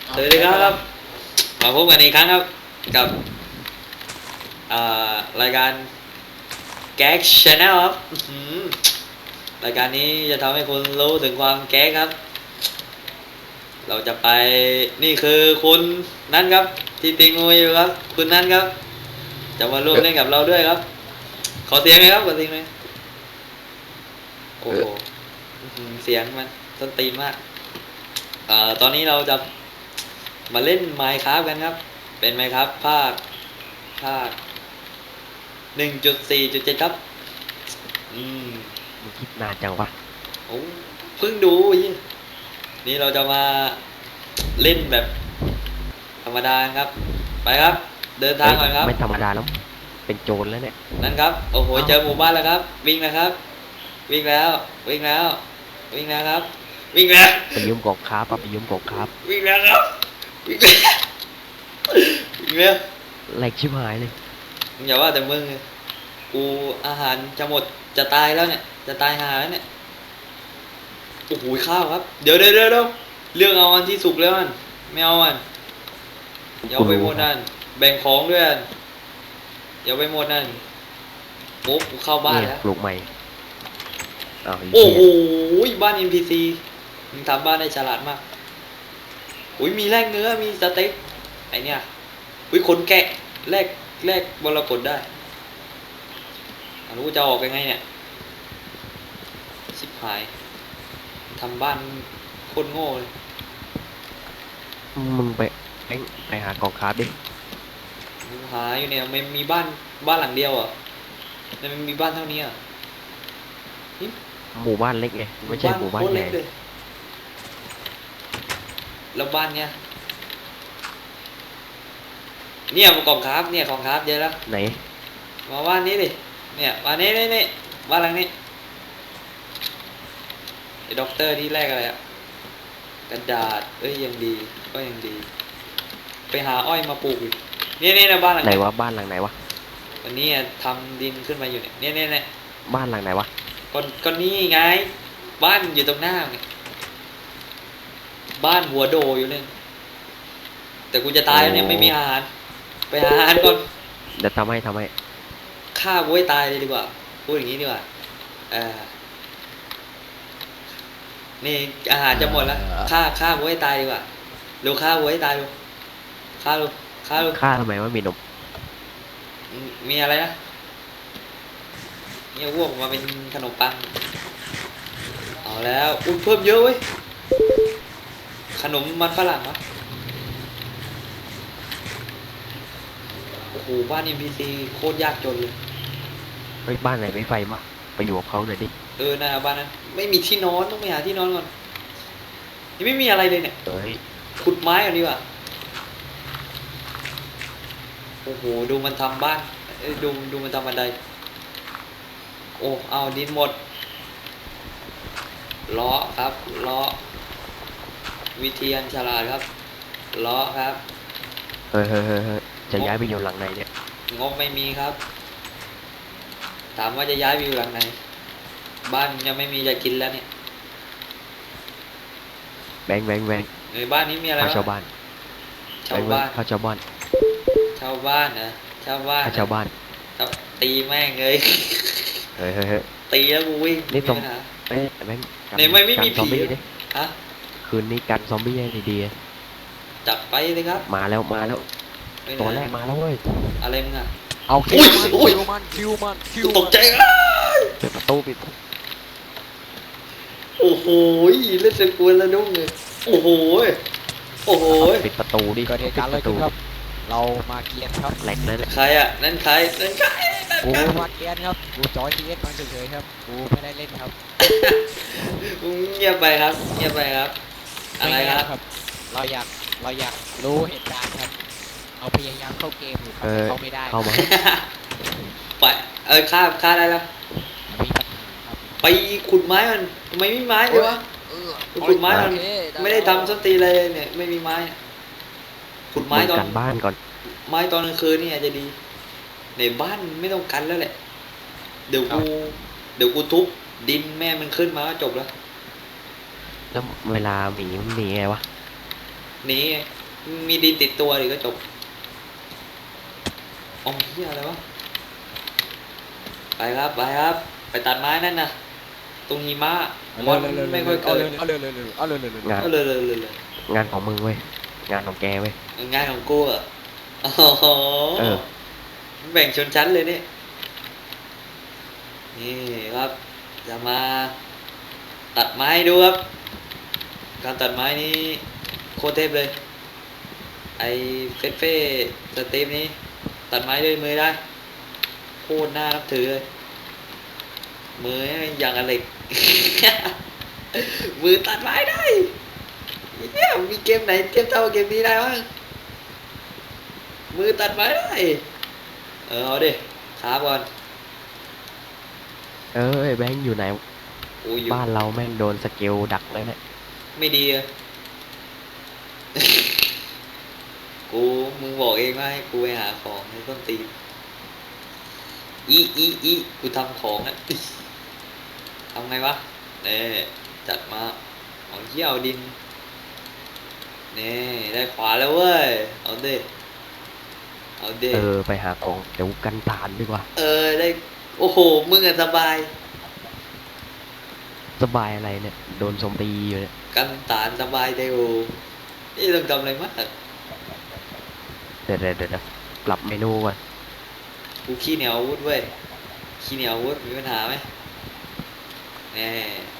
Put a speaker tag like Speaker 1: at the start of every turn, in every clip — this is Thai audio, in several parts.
Speaker 1: สวัสดีครับมาพบกันอีกครั้งครับกับรายการแก๊กชาแนลครับรายการนี้จะทำให้คุณรู้ถึงความแก๊กครับเราจะไปนี่คือคุณนั่นครับที่ติงงูอยู่ครับคุณนั่นครับจะมาร่วมเล่นกับเราด้วยครับขอเสียงหน่อยครับขอเสียงหน่อยโอ้โหเสียงมันต้นตีนมากตอนนี้เราจะมาเล่น Minecraft กันครับเป็น Minecraft ภาค1.4.7ครับ
Speaker 2: มึงคิดนานจังวะ
Speaker 1: โอ้เพิ่งดูนี่เราจะมาเล่นแบบธรรมดาครับไปครับเดินทางก่อนครับ
Speaker 2: ไม่ธรรมดาแล้วเป็นโจรแล้วเนี่ย
Speaker 1: นั่นครับโอ้โหเจอหมู่บ้านแล้วครับวิ่งนะครับวิ่งแล้ววิ่งแล้ววิ่งแล้วครับวิ่งแล้ว
Speaker 2: ไปยืมกองค้าปะไปยืมกองค้า
Speaker 1: วิ่งแล้วครับวิ่งแล้ววิ่งแล้ว
Speaker 2: แหลกชิบหายเลย
Speaker 1: อย่าว่าแต่มึงกูอาหารจะหมดจะตายแล้วเนี่ยจะตายหาแล้วเนี่ยโอ้โหข้าวครับเดี๋ยวเรื่องเอาอันที่สุกแล้วมันไม่เอามันอย่าไปหมดนั่นแบ่งของด้วยอย่าไปหมดนั่นโอ้กูเข้าบ้านแล้ว
Speaker 2: ปลูกใหม่
Speaker 1: โอ้โหบ้าน NPC มึงทำบ้านได้ฉลาดมากอุ้ยมีแลกเนื้อมีสเต็กไอเนี่ยอุ้ยขนแกะแลกบรกตได้รู้จะออกยังไงเนี่ยชิบหายทำบ้านโคตรโง่เลย
Speaker 2: มึงไปหากองค้าดิ
Speaker 1: หาอยู่เนี่ยไม่มีบ้านหลังเดียวอ่ะแต่มันมีบ้านเท่านี้อ่ะ
Speaker 2: หมู่บ้านเล็กไงไม่ใช่หมู่บ้านใหญ่
Speaker 1: แล้วบ้านเนี้ยเนี่ยกองครับเนี่ยกองครับเยอะแล้ว
Speaker 2: ไหน
Speaker 1: มาบ้านนี้ดิเนี่ยบ้านนี้นี่บ้านหลังนี้ไอ้ด็อกเตอร์ที่แรกอะไรอ่ะกระดาษยังดีก็ยังดีไปหาอ้อยมาปลูกอีกนี่นะบ้านหลัง
Speaker 2: ไหนวะบ้านหลังไหนวะ
Speaker 1: วันนี้ทำดินขึ้นมาอยู่เนี่ย
Speaker 2: บ้านหลังไหนวะ
Speaker 1: ก็นี่ไงบ้านอยู่ตรงหน้าเนี่ยบ้านหัวโดอยู่เลยแต่กูจะตายแล้วเนี่ยไม่มีอาหารไปหาอาหารก่อน
Speaker 2: เดี๋ยวทำให้
Speaker 1: ฆ่ากูให้ตายเลยดีกว่าพูดอย่างนี้ดีกว่านี่อาหารจะหมดแล้วฆ่ากูให้ตายดีกว่าดูฆ่ากูให้ตายดูฆ่า
Speaker 2: ทำไมว่ามีนม
Speaker 1: มีอะไรนะเนี่ยพวกมาเป็นขนมปังเอาแล้วอุ้ยเพิ่มเยอะเว้ยขนมมันฝรั่งวะโอ้โหบ้าน NPC โคตรยากจนเลย
Speaker 2: เฮ้ยบ้านไหนไม่ไฟมาไปอยู่กับเขาหน่อยดิ
Speaker 1: นะบ้านนั้นไม่มีที่นอนต้องไปหาที่นอนก่อนยังไม่มีอะไรเลยเนี่ยขุดไม้ก่อนดีกว่าโอ้โหดูมันทำบ้านดูมันทำบันไดโอ้เอาดินหมดล้อครับล้อวิเทียนฉลาดครับล้อครับ
Speaker 2: เฮ้ยจะย้ายไปอยู่หลังไหนเนี่ย
Speaker 1: งบไม่มีครับถามว่าจะย้ายไปอยู่หลังไหนบ้านยังไม่มีจะกินแล้วเนี่ย
Speaker 2: แบง
Speaker 1: ในบ้านนี้มีอะไร
Speaker 2: ชาวบ้าน
Speaker 1: ชาวบ้าน
Speaker 2: ชาวบ้าน
Speaker 1: ชาวบ้านนะชาวบ้าน
Speaker 2: ชาวบ้าน
Speaker 1: ตีแม่งเลย
Speaker 2: เฮ้ย
Speaker 1: ตีแล้วกูวิ่ง
Speaker 2: นี่ตรงแบง
Speaker 1: ในไม่มีผีฮะ
Speaker 2: คืนนี้กันซอมบี้ให้ดี
Speaker 1: จับไปเลยครับ
Speaker 2: มาแล้วตัวแรกมาแล้วเว้ย
Speaker 1: อะไรมึงอ่ะ
Speaker 2: เอาคิวมัน
Speaker 1: ตกใจ
Speaker 2: ปิดประตู
Speaker 1: โอ้โหเล่นเสกวนแล้วดุ้งเลยโอ้โห
Speaker 2: ปิดประตูดิ
Speaker 3: ก็เหตุการณ์อะไรขึ้นครับเรามาเกียนครับ
Speaker 2: แหลกเลย
Speaker 1: ใครอ่ะนั่นใคร
Speaker 3: กูมาเกียนครับกูจอยทีเอสมาเฉยๆครับกูไม่ได้เล่นครับ
Speaker 1: เงียบไปครับอะไรครับ
Speaker 3: เราอยากรู้เหตุการณ์ครับเอาพยายามเข้าเกมอยู่ครับเข้าไม่ได้
Speaker 2: เข้ามา
Speaker 1: ไปฆ่าได้แล้ว
Speaker 3: มีปัญหาครับ
Speaker 1: ไปขุดไม้มันทำไมไม่ไม้เลยวะขุดไม้มันไม่ได้ทำส้นตีเลยเนี่ยไม่มีไม้ขุดไม้ตอน
Speaker 2: กันบ้านก่อน
Speaker 1: ไม้ตอนกลางคืนนี่อาจจะดีในบ้านไม่ต้องกันแล้วแหละเดี๋ยวกูทุบดินแม่มันขึ้นมาก็จบแล้ว
Speaker 2: เวลาหมีมันหนีไงวะ
Speaker 1: หนีมีดินติดตัวดิก็จบอ๋อเฮียอะไรวะไปครับไปครับ ไปตัดไม้นั่นนะตรงหิมะมอนไม่ค่อยเกิด
Speaker 3: เอาเร็วเอาเร็ว
Speaker 2: งาน
Speaker 1: เอาเลย
Speaker 2: งานของมึงเว้ยงานของแกเว้ย
Speaker 1: งานของกูอ่ะโอ้โห
Speaker 2: เออ
Speaker 1: แบ่งชนชั้นเลยนี่นี่ครับจะมาตัดไม้ดูครับการตัดไม้นี้โคตรเทพเลย ไอเฟ่สตีฟนี้ตัดไม้ด้วยมือได้โคตรน่านับถือเลยมืออย่างอะไร มือตัดไม้ได้เหี้ยมีเกมไหนเทียบเท่าเกมนี้ได้บ้างมือตัดไม้ได้เอาดิขาก่อน
Speaker 2: เออไอ้แบงค์อยู่ไหน
Speaker 1: กูอยู่
Speaker 2: บ้านเราแม่งโดนสเกลดักแล้วเนี่ย
Speaker 1: ไม่ดีอะ กูมึงบอกเองว่าให้กูไปหาของในต้นตีนอีกูทำของอ่ะ ทำไงวะเนี่ยจัดมาเอาเยี่ยวดินนี่ได้ขวาแล้วเว้ยเอาดิเอาดิ
Speaker 2: เออไปหาของเดี๋ยวกันตานดีกว่า
Speaker 1: ได้โอ้โหมึงอะสบาย
Speaker 2: สบายอะไรเนี่ยโดนโจมตีอยู่เนี่ย
Speaker 1: กันตานสบายเดียวนี่ต้องทำอะไรมาก
Speaker 2: เดี๋ยวปรับเมนูก่อน
Speaker 1: กูขี้เหนียวอาวุธเว้ยขี้เหนียวอาวุธมีปัญหาไหมแน่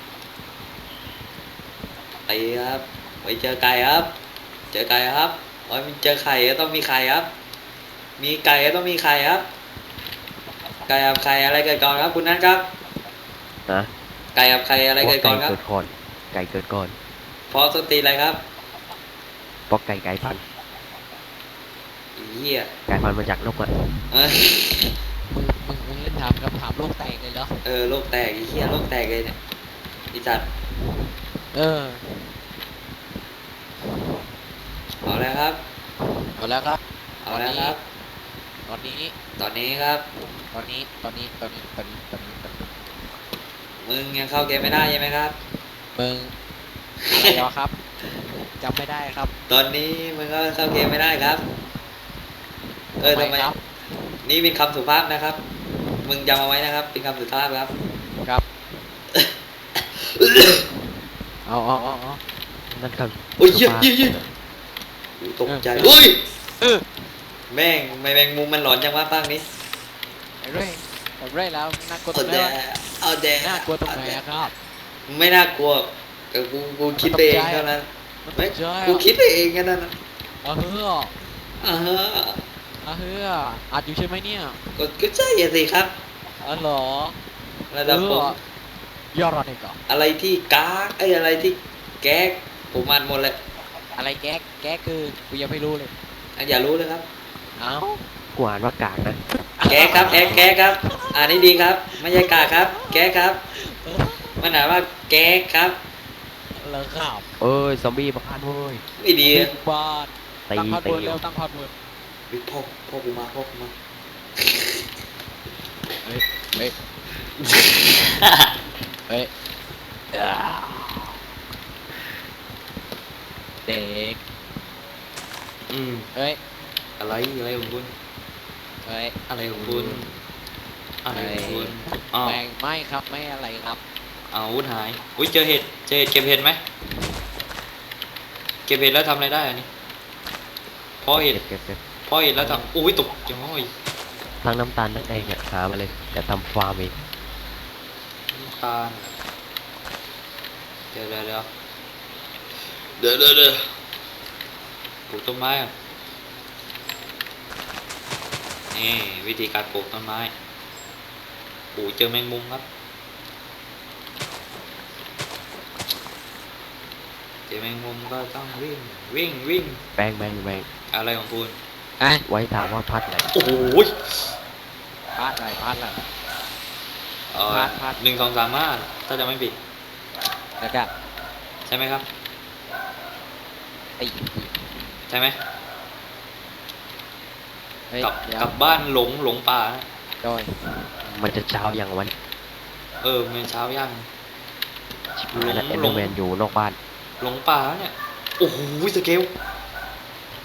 Speaker 1: ไปครับไปเจอไก่ครับ เจอไก่ครับโอ้ยมีเจอไข่ก็ต้องมีไข่ครับ มีไก่ก็ต้องมีไข่ครับไก่กับไข่อะไรเกิดก่อนครับคุณนัทครับ
Speaker 2: นะ
Speaker 1: ไก่กับไข่อะไรเกิดก่อนครับ
Speaker 2: ไก่เกิดก่อนไก่เกิดก่อน
Speaker 1: เพราะส้นตีนอะไรครับ
Speaker 2: เพราะไก่พันธุ์
Speaker 1: อีเหี้ย
Speaker 2: ไก่พันธุ์มาจากนกอ่ะ
Speaker 1: เออ
Speaker 3: มึงเล่นถามคำถามโลกแตกเลยเหรอ
Speaker 1: โลกแตกอีเหี้ยโลกแตกเลยเนี่ยอีจัด
Speaker 3: เออ
Speaker 1: เอาแล้วครับ
Speaker 3: เอาแล้วครับ
Speaker 1: เอาแล้วครับ
Speaker 3: ตอนนี้
Speaker 1: ตอนนี้ครับ
Speaker 3: ตอนนี้
Speaker 1: มึงยังเข้าเกมไม่ได้ใช่ไหมครับ
Speaker 3: มึงอะไรเหรอครับจำไม่ได้ครับ
Speaker 1: ตอนนี้มึงก็เข้าเกมไม่ได้ครับ ทำไม
Speaker 3: ครับ
Speaker 1: นี่เป็นคำสุภาพนะครับ มึงจำเอาไว้นะครับ เป็นคำสุภาพครับ
Speaker 3: ครับเอา
Speaker 2: นั่นครับ
Speaker 1: โอ้ยเยี่ยตกใจอุ้ย
Speaker 3: เออ
Speaker 1: แม่งไม่แมงมุมมันหลอนจังวะภาคนี้
Speaker 3: ไอ้เร่ไอ้เร่แล้วน่ากลัวตร
Speaker 1: เอา
Speaker 3: งไหน
Speaker 1: แด
Speaker 3: วะ
Speaker 1: เอาแด
Speaker 3: น่ากลัวตรงไหนอะครับ
Speaker 1: ไม่น่ากลัวแต่กูคิดไปเองเท่านั้น
Speaker 3: มันต
Speaker 1: ไม่
Speaker 3: กใจ
Speaker 1: กูคิดไปเองแค่นั้นนะ
Speaker 3: อ่ะเฮ้อ
Speaker 1: อ่าฮะ
Speaker 3: อ่ะเฮ้ออัดอยู่ใช่ไหมเนี่ย
Speaker 1: ก็ใช่อะสิครับ
Speaker 3: อ๋อเหรอ
Speaker 1: ระดับผม
Speaker 3: ยอดอะไรก่อน
Speaker 1: อะไรที่ก๊ากอะไรที่แก๊กผมอ่านหมดเลย
Speaker 3: อะไรแก๊กคือกูยังไม่รู้เลย
Speaker 1: อย่ารู้เลยครับ
Speaker 3: เอ้า
Speaker 2: กูอ่านว่ากากนะ
Speaker 1: แก๊กครับแก๊กครับ อ่านให้ดีครับ ไม่ใช่กากครับ แก๊กครับ มันอ่านว่าแก๊กครับ
Speaker 3: เหรอครับ
Speaker 2: เอ้ยซอมบี้บ้านเว้ย
Speaker 1: ไม่ดี
Speaker 3: บิ๊
Speaker 1: อะ
Speaker 3: กบอส
Speaker 2: ตี
Speaker 3: ตั้งพาส
Speaker 2: ตี
Speaker 3: เวิร์ดเร็วตั้งพาสเวิร์ด
Speaker 1: เฮ้ยพ่อกูมา
Speaker 3: เฮ้ยเฮ้ยเฮ้ยเด็ก
Speaker 1: อืม
Speaker 3: เฮ้ย
Speaker 1: อะไรของคุณ
Speaker 3: เฮ้ย
Speaker 1: อะไรของคุณอะไรของคุณอ้าว
Speaker 3: แม่งไม่ครับไม่อะไรครับ
Speaker 1: อาวุธหาย อุ้ยเจอเห็ดเก็บเห็ดไหมเก็บเห็ดแล้วทำอะไรได้อันนี้เพราะเห็ด
Speaker 2: เก็บ
Speaker 1: เพราะเห็ดแล้วทำอุ้ยตกจังเลย
Speaker 2: ทั้งน้ำตาลนั่นเองเนี่ยหามาเลยแต่ทำฟาร์มเอง
Speaker 1: น้ำตาลเดี๋ยวปลูกต้นไม้ก่อนนี่วิธีการปลูกต้นไม้เจอแมงมุมครับเจอแมงมุมก็ต้องวิ่ง
Speaker 2: แบง
Speaker 1: อะไรของคุณ
Speaker 3: อ่ะ
Speaker 2: ไว้ถามว่าพัดไหน
Speaker 1: โอ้โห
Speaker 3: พลาดอะไรพลาดอะไร พลาด
Speaker 1: 1 2 3 5ถ้าจะไม่ผิด
Speaker 3: แล้วก็
Speaker 1: ใช่ไหมครับ
Speaker 3: ไอ้
Speaker 1: ใช่ไหม
Speaker 3: เฮ้ย
Speaker 1: กลับ
Speaker 3: เดี๋ยว
Speaker 1: กลับบ้านหลงป่านะ
Speaker 3: โดย
Speaker 2: มันจะเช้าอย่างวัน
Speaker 1: มันเช้าย่าง
Speaker 2: ชิบหายแล้วเอ็นเดอร์แมนอยู่นอกบ้าน
Speaker 1: หลงป่าแล้วเนี่ย โอ้โหสเกล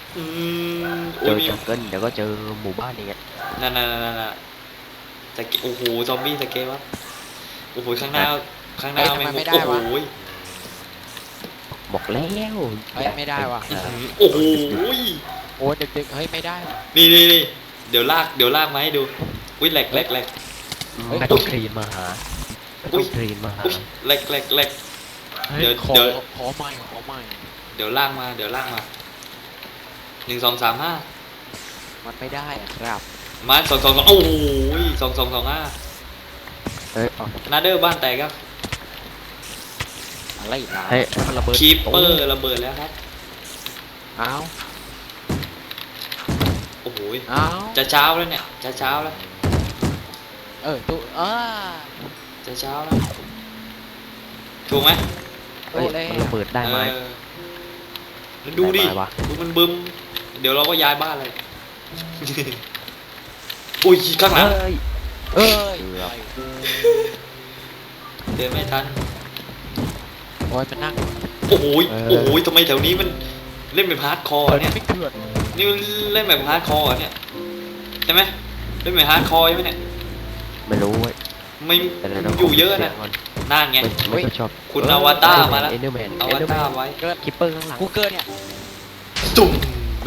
Speaker 1: อืม
Speaker 2: เจ
Speaker 1: อุ้ย
Speaker 2: อ
Speaker 1: มี
Speaker 2: จังเกิลเดี๋ยวก็เจอหมู่บ้านอีกอ่ะ
Speaker 1: นั่นสเกโอ้โหซอมบี้สเกลวะโอ้โหข้างหน้าข้างหน้า
Speaker 3: เฮ้ยทำไม
Speaker 1: แง
Speaker 3: ไม่ได้
Speaker 1: โอ้โห
Speaker 3: วะ
Speaker 2: บอกแล้ว
Speaker 3: เฮ้ยไม่ได้ว่ะ
Speaker 1: โอ้โห
Speaker 3: โอ้ดึกๆเฮ้ยไม่ได้ว่ะ
Speaker 1: นี่เดี๋ยวลากมาให้ดูอุ้ยแหลก
Speaker 2: ไม่ต้องคลีนมาหาไม่ต้องคลีนมาหา
Speaker 1: อุ้ยแหลก
Speaker 3: เฮ้ย
Speaker 1: เดี๋ยว
Speaker 3: ขอ
Speaker 1: เดี๋ยว
Speaker 3: ขอใหม่ขอใหม่
Speaker 1: เดี๋ยวลากมา1 2 3 5
Speaker 3: มันไม่ได้อะครับ
Speaker 1: มา2 2 2โอ้โห2 2 2 5
Speaker 2: เฮ้ยเอา
Speaker 1: นาเดอร์บ้านแตกครับ
Speaker 3: อะไรล่ะ
Speaker 2: ให้มันระเบิด
Speaker 1: คีปเปอร์ระเบิดแล้วครับ
Speaker 3: อ้าว
Speaker 1: โอ้โห
Speaker 3: อ้าว
Speaker 1: จะเช้าแล้วเนี่ยจะเช้าแล้ว
Speaker 3: ตู้
Speaker 1: จะเช้าแล้วถูกไหม
Speaker 2: เฮ้ยมันระเบิดได้ไหม
Speaker 1: เออแล้วดูดิ
Speaker 2: ได้ไหมวะ
Speaker 1: ดูมันบึมเดี๋ยวเราก็ย้ายบ้านเลย อุ้ยข้างหลัง
Speaker 2: เฮ้ย
Speaker 3: เอ้ย
Speaker 2: เกือบ
Speaker 1: เดินไม่ทัน
Speaker 3: โอ้ยมันนั่ง
Speaker 1: โอ้โหทำไมแถวนี้มันเล่นแบบฮาร์ดคอร์เนี่ย
Speaker 3: ไม่เถื่อน
Speaker 1: นี่มันเล่นแบบฮาร์ดคอร์เนี่ยใช่ไหมเล่นแบบฮาร์ดคอร์ใช่ไหมเนี่ย
Speaker 2: ไม่รู้เว้ย
Speaker 1: ไม่
Speaker 2: แต่เดี๋วรา
Speaker 1: อยู่เยอะนะ
Speaker 2: สีงก่
Speaker 1: นั่นไง
Speaker 2: ไม่ค่อยชอบ
Speaker 1: คุณอวตารมาแล้ว
Speaker 2: เอเดอร์แมน
Speaker 1: เอา
Speaker 2: เอ
Speaker 1: วั
Speaker 2: เดอร์
Speaker 1: ตา
Speaker 2: แมน
Speaker 1: ไว้
Speaker 3: เกิด
Speaker 2: คิปเปอร์ข้างหลัง
Speaker 3: กูเกิดเนี่ย
Speaker 1: ตุ่ม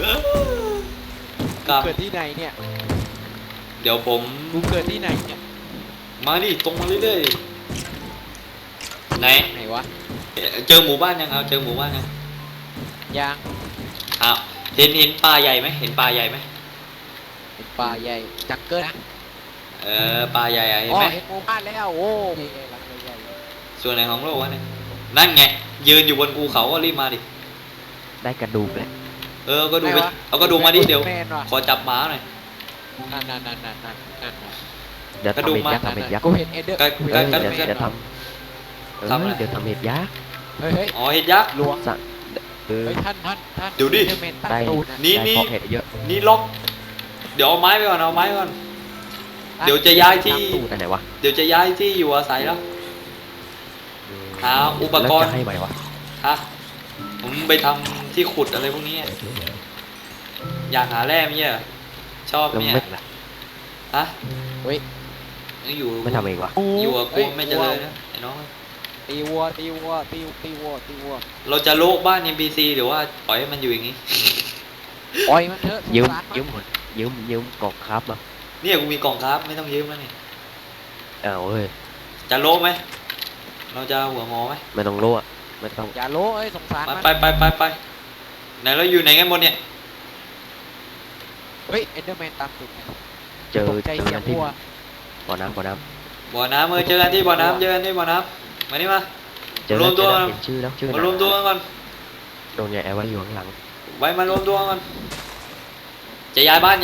Speaker 1: กับ
Speaker 3: เกิดที่ไหนเนี่ย
Speaker 1: เดี๋ยวผม
Speaker 3: กูเกิดที่ไหนเนี่ย
Speaker 1: มาดิตรงมาเรื่อยๆไหน
Speaker 3: ไหนวะ
Speaker 1: เจอหมู่บ้านยังเอาเจอหมู่บ้านยัง
Speaker 3: ยาง
Speaker 1: อ้าวเห็นปลาใหญ่ไหมเห็นปลาใหญ่ไหม
Speaker 3: เป็นป่าใหญ่จังเกิลนะ
Speaker 1: ปลาใหญ่อะเห็น
Speaker 3: อ๋อ
Speaker 1: ไหม
Speaker 3: เห็นหมู่บ้านแล้วโอ้ยรังใหญ่
Speaker 1: ส่วนไหนของโลกวะเนี่ยนั่นไงยืนอยู่บนภูเขาก็รีบมาดิ
Speaker 2: ได้กระดูกเลย
Speaker 1: ก็ดูไปเอาก็ดูมาดิเดี๋ยว
Speaker 3: แมนว่ะ
Speaker 1: ขอจับหมาหน่อย
Speaker 3: นั่น
Speaker 2: เดี๋ยว
Speaker 1: กระดู
Speaker 2: ทำ
Speaker 1: ก
Speaker 2: เห็ด
Speaker 1: มา
Speaker 2: ยักษ์ทำเห็ดยักษ์
Speaker 3: กูเห็นเอเดอร์
Speaker 1: ก็
Speaker 3: กู
Speaker 2: เอ
Speaker 3: เห็
Speaker 2: อน
Speaker 3: เอ
Speaker 2: เดี๋
Speaker 3: เด
Speaker 2: ย
Speaker 3: อ
Speaker 2: ว
Speaker 3: ร์แมน
Speaker 2: เดี๋ยวทำ
Speaker 1: ทำอะไร
Speaker 2: เดี๋ยวทำเห็ดยักษ์
Speaker 3: เฮ้ย
Speaker 1: อ๋อเห็ดยักษ์
Speaker 3: ลวง
Speaker 2: สั่งเออ
Speaker 3: เฮ้ยท่าน
Speaker 1: เดี๋ยวดิ
Speaker 3: เอเดอร์แมนตั้ง
Speaker 2: ได้
Speaker 3: ตูดนะ
Speaker 1: นี่
Speaker 2: ได้เพาะเห็ดเยอะ
Speaker 1: นี่ล็อก เดี๋ยวเอาไม้ไปก่อนเอาไม้ไปก่อน เดี๋ยวจะย้ายที่
Speaker 2: ตามตู้แต่ไหนวะ
Speaker 1: เดี๋ยวจะย้ายที่อยู่อาศัยแล้ว หาอุปกรณ์
Speaker 2: แล้วจะให้ไหมวะ
Speaker 1: ฮะผมไปทำที่ขุดอะไรพวกนี้อะอยากหาแร่ไหมเนี่ยชอบ
Speaker 2: แล้ว
Speaker 1: เนี่ย
Speaker 2: ไม่
Speaker 1: ฮะ
Speaker 3: เฮ้ย
Speaker 1: อยู่
Speaker 2: ไม่ทำเองวะ
Speaker 1: อยู่กับกูไม่เจริญนะไอ้น้อง
Speaker 3: ตีวัว
Speaker 1: เราจะโลกบ้าน NPC หรือว่าปล่อยให้มันอยู่อย่างนี้
Speaker 3: ปล่อยมันเถอะ
Speaker 2: ยืม
Speaker 3: สงสารน
Speaker 2: ยืมกล่องครับมา
Speaker 1: เนี่ยกูมีกล่องครับไม่ต้องยืมแล้วนี่
Speaker 2: อ้าวเฮ้ย
Speaker 1: จะโลกไหมเราจะหัวงอไหม
Speaker 2: ไม่ต้องรู้อะไม่ต้อง
Speaker 3: อย่าโลเอ้ยสงสารมัน
Speaker 1: ไปไหนเราอยู่ไหนกันหมดเนี่ย
Speaker 3: เฮ้ยเอเดอร์แมนตามตูดนะ
Speaker 2: เจอ
Speaker 3: ตกใจ
Speaker 2: เจอ
Speaker 3: เสีย
Speaker 2: กั
Speaker 3: ง
Speaker 2: นที่
Speaker 3: วัว
Speaker 2: บ่อน้ำ
Speaker 1: บ่อน้ำเจอกันที่บ่อน้ำเจอกันที่บ่อน้ำมานี่มา
Speaker 2: เจอ
Speaker 1: รว
Speaker 2: แล้ว
Speaker 1: ม
Speaker 2: เจ
Speaker 1: ตัว
Speaker 2: อ
Speaker 1: กั
Speaker 2: แล้ว
Speaker 1: น
Speaker 2: เห็นชื่อแล้วชื่อ
Speaker 1: มารวมตัวกันก่อน
Speaker 2: โดนใหญ่แอร์ไว้อยู่ข้างหลัง
Speaker 1: ไว้มารวมตัวกันจะย้ายบ้าน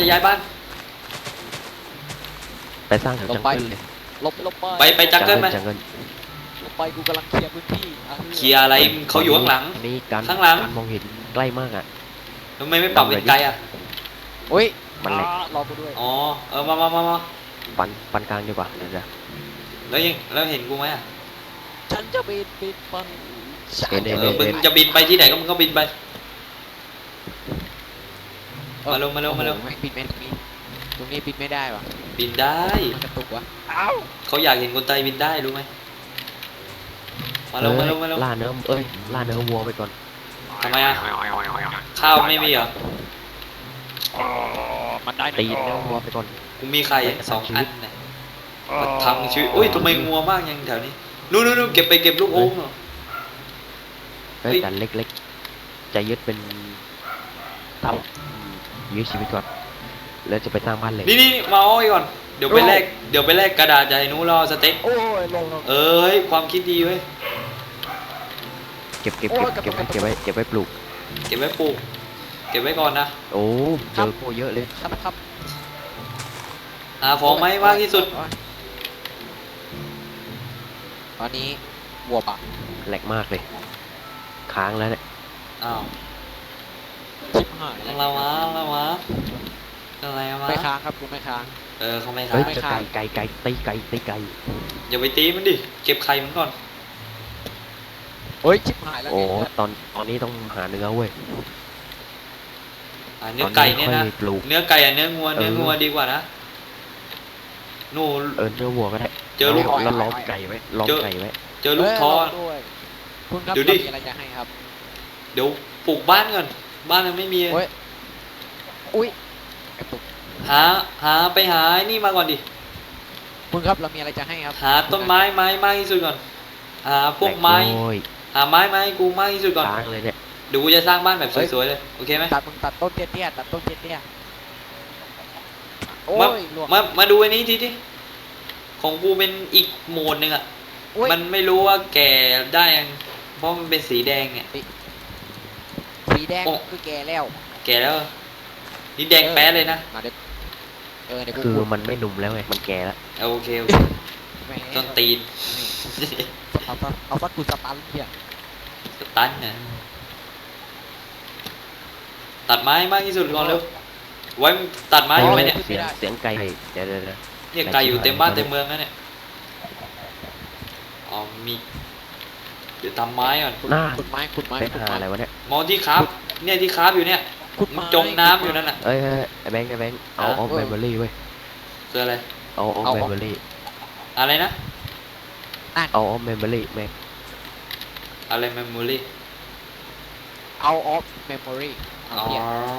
Speaker 2: ไปสร้างแถวจังเกิลเลย
Speaker 3: ลบไป
Speaker 1: ไปจังเกิลไหม
Speaker 2: จังเกิล
Speaker 3: ลบไปกูกำลังเคลียร์พื้นที่อ่ะ
Speaker 1: เคลียร์อะไรเขาอยู่ข้างหลัง
Speaker 2: อันนี้การ
Speaker 1: ข้างหลัง
Speaker 2: การมองเห็นใกล้มากอ่ะ
Speaker 1: ทำไมไม่ปรับเป็นไกลอ่ะ
Speaker 3: โอ้ย
Speaker 2: มันเล็ก
Speaker 3: รอกูด้วย
Speaker 1: อ๋อมา
Speaker 2: ปันกลางดีกว่าเดี๋ยวจะ
Speaker 1: แล้วเห็นกูไหมอ่ะ
Speaker 3: ฉันจะบินไป
Speaker 2: เห็น
Speaker 1: มึงจะบินไปที่ไหนก็มึงก็บินไป มาเร็ว
Speaker 3: โอ้โหไม่บินไม่ตรงนี้บินไม่ได้ว่ะ
Speaker 1: บินได้
Speaker 3: มันกระตุกวะ
Speaker 1: เขาอยากเห็นคนไทยบินได้รู้ไหมมาเร็ว
Speaker 2: ล่าเนื้อล่าเนื้อวัวไปก่อน
Speaker 1: ทำไมอ่ะข้าวไม่มีเหรอ
Speaker 3: มันได้
Speaker 2: ตีเนื้อวัวไปก่อน
Speaker 1: กูมีไข่2 อันเนี่ยมาทำชีวิตอุ้ยทำไมงัวมากยังแถวนี้นู่นเก็บไปเก็บลูกโอ่งเหรอ
Speaker 2: เฮ้ย
Speaker 1: เฮ้ย
Speaker 2: แต่เล็กๆจะยึดเป็นทำยืดชีวิตก่อนแล้วจะไปสร้างบ้านเหล็ก
Speaker 1: นี่มาเอาไว้ก่อนเดี๋ยวไปแลกกระดาษจากไอ้นู้นรอสเต็ก
Speaker 3: โอ้ยลง
Speaker 1: เฮ้ยความคิดดีเว้ย
Speaker 2: เก็บไว้ปลูก
Speaker 1: เก็บไว้ปลูกเก็บไว้ก่อนนะ
Speaker 2: โอ้เจอโคเยอะเลย
Speaker 3: ครับ
Speaker 1: หาของไหมมากที่สุด
Speaker 3: ตอนนี้วัวปะ
Speaker 2: แหลกมากเลยค้างแล้วเนี่ย
Speaker 1: อ้าว
Speaker 3: ชิบหาย
Speaker 1: อะไรวะอะไรวะ
Speaker 3: ไม่ค้างครับกูไม่ค้าง
Speaker 1: เขาไม่
Speaker 2: เฮ้ย
Speaker 1: ทำ
Speaker 2: จะไก่ตีไก่
Speaker 1: อย่าไปตีมันดิเก็บไข่มันก่อน
Speaker 3: เฮ้ยชิบหายแล้ว
Speaker 2: โอ้
Speaker 3: เนี่ย
Speaker 2: ตอนนี้ต้องหาเนื้อเว้ย
Speaker 1: เนื้อไก่เนี่ย
Speaker 2: ตอ
Speaker 1: นะ
Speaker 2: ค่อปลูก
Speaker 1: เนื้อไก่เนื้องัว
Speaker 2: เออ
Speaker 1: เนื้องัวดีกว่านะนู่น
Speaker 2: เนื้อวัวก็ได้
Speaker 1: เจอลูก
Speaker 2: แล้วล้อมไก่ไว้ล้อมไก่ไว้
Speaker 1: เจอลูก
Speaker 3: เย
Speaker 1: ท้อ
Speaker 3: ลงด้วยคุณครับ
Speaker 1: ดู
Speaker 3: เรา
Speaker 1: ดิ
Speaker 3: มีอะไรจะให้ครับ
Speaker 1: เดี๋ยวปลูกบ้านก่อนบ้านยังไม่มี
Speaker 3: โอ้ย อุ้ยกระตุก
Speaker 1: หาไปหาไอ้นี่มาก่อนดิ
Speaker 3: คุณครับเรามีอะไรจะให้ครับ
Speaker 1: หาต้นไม้มากที่สุดก่อนหาพวกไม้
Speaker 2: โอ้ย
Speaker 1: หาไม้มาให้กูมากที่สุดก่อน
Speaker 2: ล้างเลยเนี่ย
Speaker 1: เดี๋ยวกูจะสร้างบ้านแบบสวยๆเลยโอเคไหม
Speaker 3: มึงตัดต้นเตี้ยๆตัดต้นเตี้ยๆโอ้
Speaker 1: มาย
Speaker 3: หลวง
Speaker 1: มาดูอันนี้ทีดิของกูเป็นอีกโหมดหนึ่งอ่ะ
Speaker 3: โอ้ย
Speaker 1: มันไม่รู้ว่าแก่ได้ยังเพราะมันเป็นสีแดงเนี่ย
Speaker 3: สีแดง
Speaker 1: โอ้
Speaker 3: คือแก่แล้ว
Speaker 1: แก่แล้วนี่แดงแป๊ดเลยนะ
Speaker 3: มาเด็ดเดี๋ยวกู
Speaker 2: คือ
Speaker 3: พูด
Speaker 2: มันไม่หนุ่มแล้วไงมันแก่แล้ว
Speaker 1: โอเคโอเค
Speaker 3: แหม
Speaker 1: ต้นตีน
Speaker 3: เอาสักกูสตันเพีย
Speaker 1: สตันเนี่ยตัดไม้มากที่สุดก่อนเร็วไว้มึงตัดไม้อยู่ไหมเนี่ย
Speaker 2: เสียงไก่เดี๋ยว
Speaker 1: เนี่ยไก่อยู่เต็มบ้านเต็มเมืองแล้วเนี่ยอ๋อมีเดี๋ยวทำไม้ก่อน
Speaker 2: หน้า
Speaker 3: ขุดไม้ขุดไม้
Speaker 2: เป็น
Speaker 3: ขุด
Speaker 2: หา
Speaker 3: ไม้
Speaker 2: อะไรวะเนี่ย
Speaker 1: มองที่คราฟเนี่ยที่คราฟอยู่เนี่ย
Speaker 3: ขุด
Speaker 1: มึ
Speaker 3: ไม้
Speaker 1: งจมน้ำอยู่นั่นน่ะ
Speaker 2: เอ้ยไอ้แบงค์เอา
Speaker 1: ฮะ
Speaker 2: เอาเมมโมรี่เว้ย
Speaker 1: คืออะไร
Speaker 2: เอาเมมโมรี่
Speaker 1: อะไรนะ
Speaker 2: เอาเมมโมรี่แม่ง
Speaker 1: อะไรเมมโมรี่
Speaker 3: เอาออฟเมมโมรี
Speaker 1: อ๋อ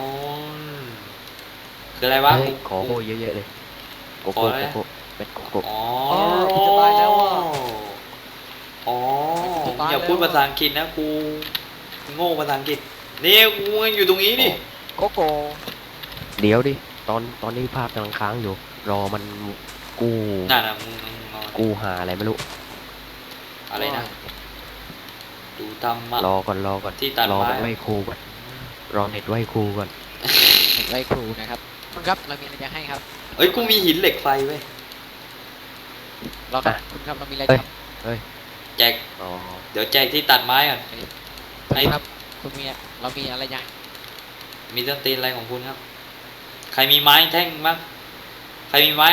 Speaker 1: คืออะไรวะ
Speaker 2: เฮ้ยขอโก้เยอะๆเลยโกโก้
Speaker 1: ขออะไร
Speaker 2: โกโก้เป็นโกโก้
Speaker 1: อ๋อ
Speaker 3: กูจะตายแล้วอ่ะ
Speaker 1: อ๋อ
Speaker 3: จะตาย
Speaker 1: อย่าพูด
Speaker 3: แล้วอะ
Speaker 1: ภาษาอังกฤษนะกูโง่ภาษาอังกฤษนี่กูยังอยู่ตรงนี้ดิ
Speaker 3: โกโก้
Speaker 2: เดี๋ยวดิตอนนี้ภาพกำลังค้างอยู่ รอมันกู้
Speaker 1: นั่นน่ะมึงนอน
Speaker 2: กู้หาอะไรไม่รู้
Speaker 1: อะไรนะดูทำมะ
Speaker 2: รอก่อน
Speaker 1: ที่ตัด
Speaker 2: รอ
Speaker 1: ไม้
Speaker 2: มันไหวครูก่อนรอเน็ตไหวครูก่อน
Speaker 3: ไว้ครูนะครับคุณครับเรามีอะไรจะให้ครับ
Speaker 1: เอ้ยกูมีหินเหล็กไฟเว้ย
Speaker 3: เราครับ
Speaker 2: อ่ะ
Speaker 3: คุณครับเรามีอะไร
Speaker 2: เฮ้ย
Speaker 3: จะ
Speaker 2: เฮ้ย
Speaker 1: แจก
Speaker 2: อ๋อ
Speaker 1: เดี๋ยวแจกที่ตัดไม้ก่อน
Speaker 3: คุณครับคุณมีเรามีอะไรยัง
Speaker 1: มีต้นตีนอะไรของคุณครับ ใครมีไม้แท่งบ้างใครมีไม้